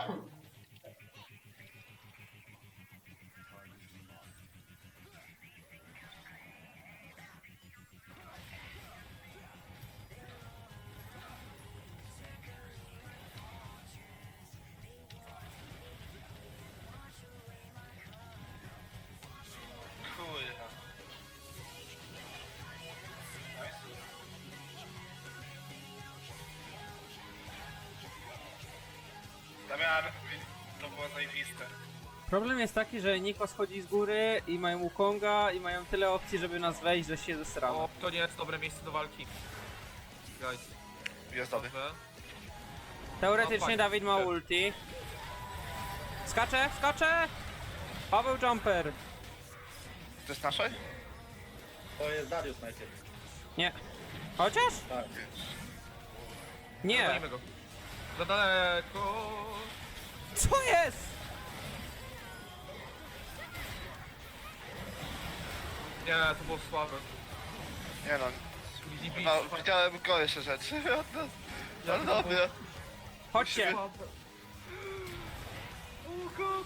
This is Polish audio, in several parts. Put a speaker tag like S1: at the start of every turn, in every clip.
S1: Kurwa. Damian, to było zajebiste.
S2: Problem jest taki, że Niko schodzi z góry i mają Wukonga i mają tyle opcji, żeby nas wejść, że się zesramy.
S3: O, to nie jest dobre miejsce do walki. Guys,
S1: Jest dobry.
S3: dobrze.
S2: Teoretycznie
S3: No, fajnie.
S2: Dawid ma ulti. Skacze, skacze! Paweł Jumper!
S1: To jest nasze?
S4: To jest Darius najpierw.
S2: Nie. Chociaż?
S4: Tak.
S2: Nie.
S3: Walimy go. Za daleko.
S2: Co jest?
S3: Nie, to było słabe.
S1: Nie no.
S3: Easy
S1: Chyba
S3: beat.
S1: widziałem gorsze rzeczy od nas. Ale dobra.
S2: Chodźcie.
S3: Słabe. Oh god.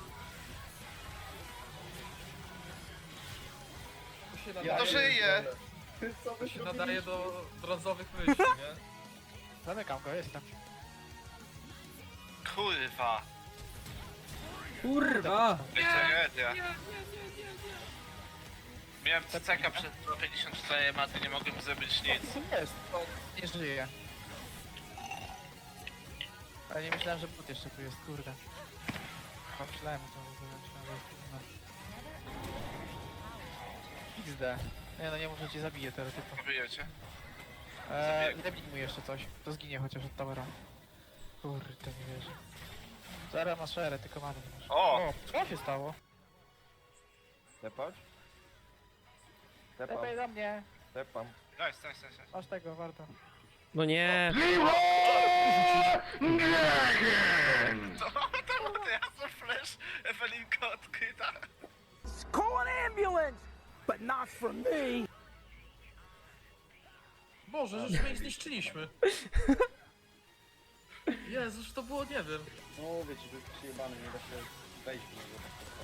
S3: To się
S1: Ja
S3: nadaje,
S1: to żyję.
S4: Co wy
S3: się nadaje do brązowych myśli, nie?
S5: Zamykam go, jestem.
S1: Kurwa.
S2: Kurwa.
S1: Tragedia. Miałem CCK przed 54, a ty nie mogłem zrobić nic.
S5: Co jest? O, nie żyje. Ale nie myślałem, że bot jeszcze tu jest, kurde. Myślałem o tym, że XD. Nie no, nie może cię zabije teoretycznie.
S1: Wyjecie?
S5: Zabij mu jeszcze coś. To zginie chociaż od towera. Kurde, nie wierzę. Zara ma szerę, tylko mamy nie masz.
S1: O!
S5: Co się stało?
S6: Tepać? Tepam,
S5: Lepiej za mnie.
S6: tepam.
S1: Nice.
S5: Masz tego, warto.
S2: No nie.
S1: To ja za flash, Ewelinka odkryta.
S3: Boże, żeśmy ich zniszczyliśmy. Jezus, to było, nie wiem.
S4: No mówię ci, że jest przyjebany, nie da się wejść w niego.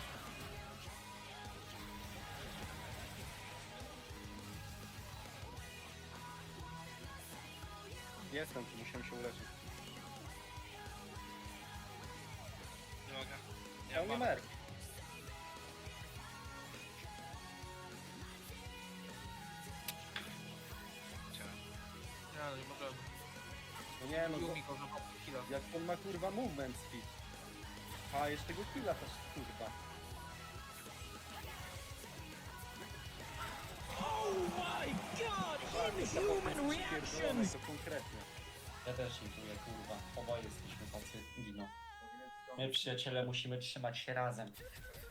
S4: Jestem tu, musiałem się uleczyć.
S1: Nie mogę.
S4: Ja nie merk.
S3: Nie, no nie możemy.
S4: No nie no,
S3: Yumi go zabrał killa.
S4: jak on ma kurwa movement speed. A jeszcze go killa też kurwa. To konkretnie.
S7: Ja też intuję, kurwa. Oboje jesteśmy tacy dino. My przyjaciele musimy trzymać się razem.